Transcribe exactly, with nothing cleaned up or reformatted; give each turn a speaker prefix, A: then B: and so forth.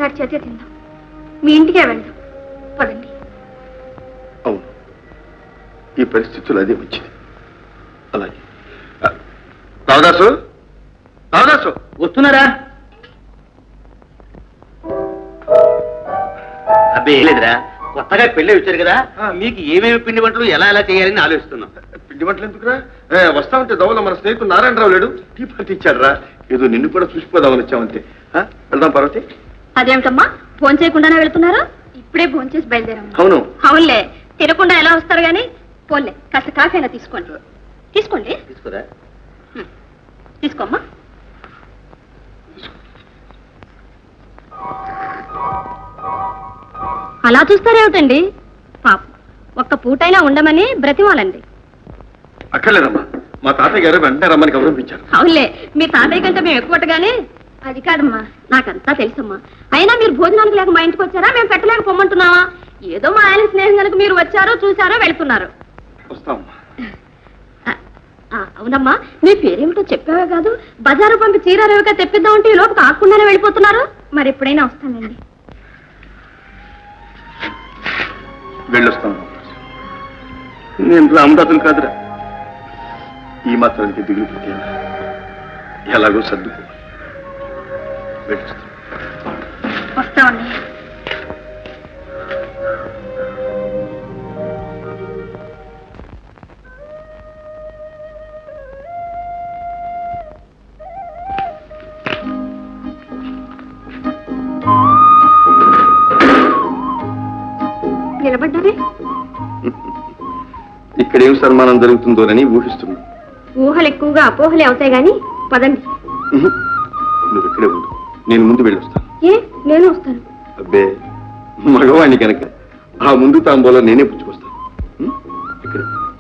A: గారి చేతే తిందాం. మీ ఇంటికే వెళ్దాం. పదండి.
B: అవును, ఈ పరిస్థితులు అదే మంచిది. అలాగే. రావదాసు, రావదాసు
C: వస్తున్నారా? అబ్బే లేదురా, కొత్తగా పెళ్ళి వచ్చారు కదా, మీకు ఏమేమి పిండి వంటలు ఎలా ఎలా చేయాలని ఆలోచిస్తున్నాం.
B: పిండి వంటలు ఎందుకురా? వస్తా ఉంటే దవల మన స్నేహితుడు నారాయణరావు లేడు, టీ పార్టీ ఇచ్చాడు రా. ఏదో నిన్ను కూడా చూసిపోదామని వచ్చామంతే. వెళ్దాం పార్వతి.
A: అదేమిటమ్మా, ఫోన్ చేయకుండానే వెళ్తున్నారా? ఇప్పుడే ఫోన్ చేసి బయలుదేరమ్మా.
B: అవును.
A: అవునులే, తినకుండా ఎలా వస్తారు గాని. పోన్లే, కాస్త కాఫీ అయినా తీసుకోండి. తీసుకోండి.
C: తీసుకురా.
A: తీసుకోమ్మా. అలా చూస్తారేమిటండి? పాప ఒక్క పూటైనా ఉండమని బ్రతిమాలండి.
B: అక్కర్లేదమ్మా, మా తాతయ్య గారు వెంటనే రమ్మని గౌరవించారు.
A: అవునులే, మీ తాతయ్య కంటే మేము ఎక్కువగానే. అది కాదమ్మా, నాకంతా తెలుసమ్మా. అయినా మీరు భోజనానికి లేక మా ఇంటికి వచ్చారా? మేము పెట్టలేక పొమ్మంటున్నావా? ఏదో మా ఆయన స్నేహం కనుక మీరు వచ్చారో చూసారో వెళ్తున్నారు.
B: వస్తామమ్మా.
A: అవునమ్మా, మీ పేరేమిటో చెప్పావే కాదు. బజారు పంపి చీరారేవిగా తెప్పిద్దామంటే ఈ లోపు కాకుండానే వెళ్ళిపోతున్నారు. మరి ఎప్పుడైనా వస్తానండి.
B: వెళ్ళొస్తాను. నేను రామదాసులు కాదురా. ఈ మాత్రానికి దిగులు పెట్టేలా ఎలాగో సర్దుకో. వెళ్ళొస్తాను.
A: వస్తామండి. నిలబడ్డారే?
B: ఇక్కడేం సన్మానం జరుగుతుందోనని ఊహిస్తున్నా.
A: ఊహలు ఎక్కువగా అపోహలే అవుతాయి గాని పదండి.
B: నువ్వు ఇక్కడే ఉండు, నేను ముందు వెళ్ళొస్తాను.
A: ఏ, నేను వస్తాను.
B: అబ్బే, మగవాణ్ణి కనుక ఆ ముందు తాంబూలో నేనే పుచ్చుకొస్తాను. ఇక్కడే